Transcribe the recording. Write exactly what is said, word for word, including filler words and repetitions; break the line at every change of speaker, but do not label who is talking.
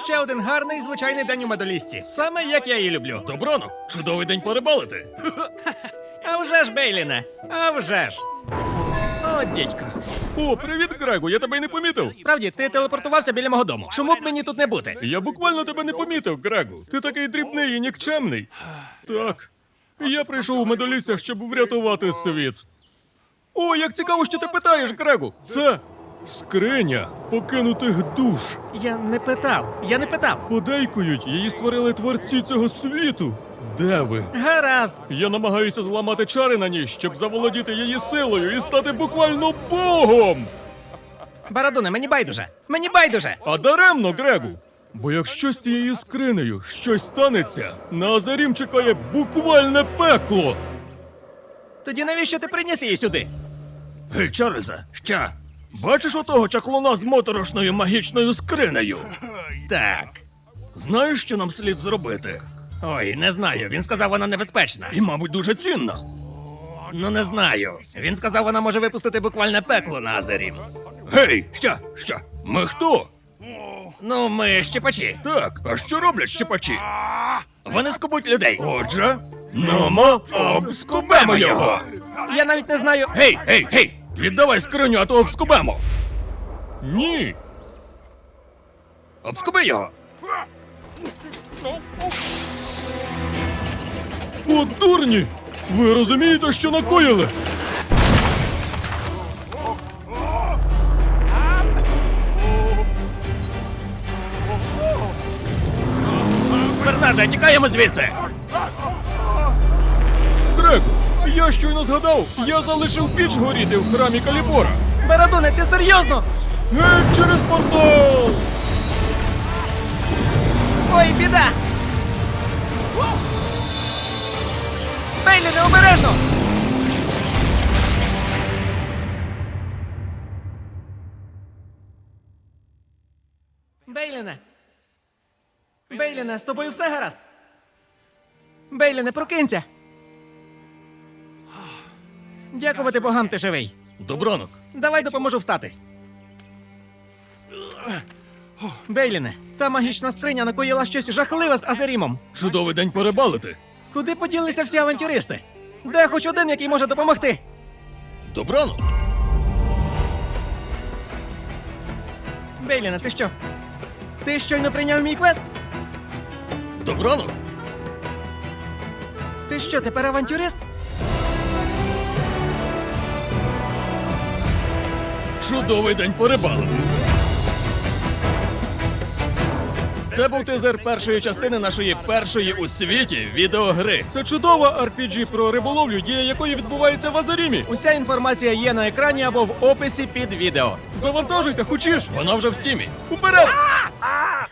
ще один гарний звичайний день у Медоліссі. Саме як я її люблю.
Добрано, чудовий день порибалити.
А вже ж, Бейліне, а вже ж. О, дідько.
О, привіт, Грегу, я тебе й не помітив.
Справді, ти телепортувався біля мого дому. Чому б мені тут не бути?
Я буквально тебе не помітив, Грегу. Ти такий дрібний і нікчемний. Так, я прийшов у Медолісся, щоб врятувати світ. О, як цікаво, що ти питаєш, Грегу. Це скриня покинутих душ.
Я не питав, я не питав.
Подейкують, її створили творці цього світу. Де ви?
Гаразд.
Я намагаюся зламати чари на ній, щоб заволодіти її силою і стати буквально богом!
Барадуне, мені байдуже. Мені байдуже.
А даремно, Грегу! Бо якщо з цією скринею щось станеться, на Азарім чекає буквальне пекло!
Тоді навіщо ти приніс її сюди?
Гей, Чарльзе, що? Бачиш отого чаклуна з моторошною магічною скринею?
Так.
Знаєш, що нам слід зробити?
Ой, не знаю. Він сказав, вона небезпечна.
І, мабуть, дуже цінна.
Ну, не знаю. Він сказав, вона може випустити буквальне пекло на Азарім.
Гей, що? Що? Ми хто?
Ну, ми щепачі.
Так, а що роблять щепачі?
Вони скубуть людей.
Отже, нумо обскубемо його!
Я навіть не знаю.
Гей, гей, гей! Віддавай скриню, а то обскубемо! Ні!
Обскуби його.
О, дурні! Ви розумієте, що накоїли?
Бернарде, тікаємо звідси.
Грегу, я щойно згадав, я залишив піч горіти в храмі Калібора.
Барадуне, ти серйозно?
Гей, через портал!
Ой, біда! Бейліне, обережно! Бейліне! Бейліне, з тобою все гаразд? Бейліне, прокинься! Дякувати богам, ти живий.
Добранок.
Давай допоможу встати. Бейліне, та магічна скриня накоїла щось жахливе з Азарімом.
Чудовий день порибалити.
Куди поділися всі авантюристи? Де хоч один, який може допомогти?
Добранок.
Бейліне, ти що? Ти щойно прийняв мій квест?
Добранок.
Ти що, тепер авантюрист?
Чудовий день порибалити. Це був тизер першої частини нашої першої у світі відеогри. Це чудова ар пі джі про риболовлю, дія якої відбувається в Азарімі.
Уся інформація є на екрані або в описі під відео.
Завантажуйте, хочеш? Вона вже в стімі. Уперед!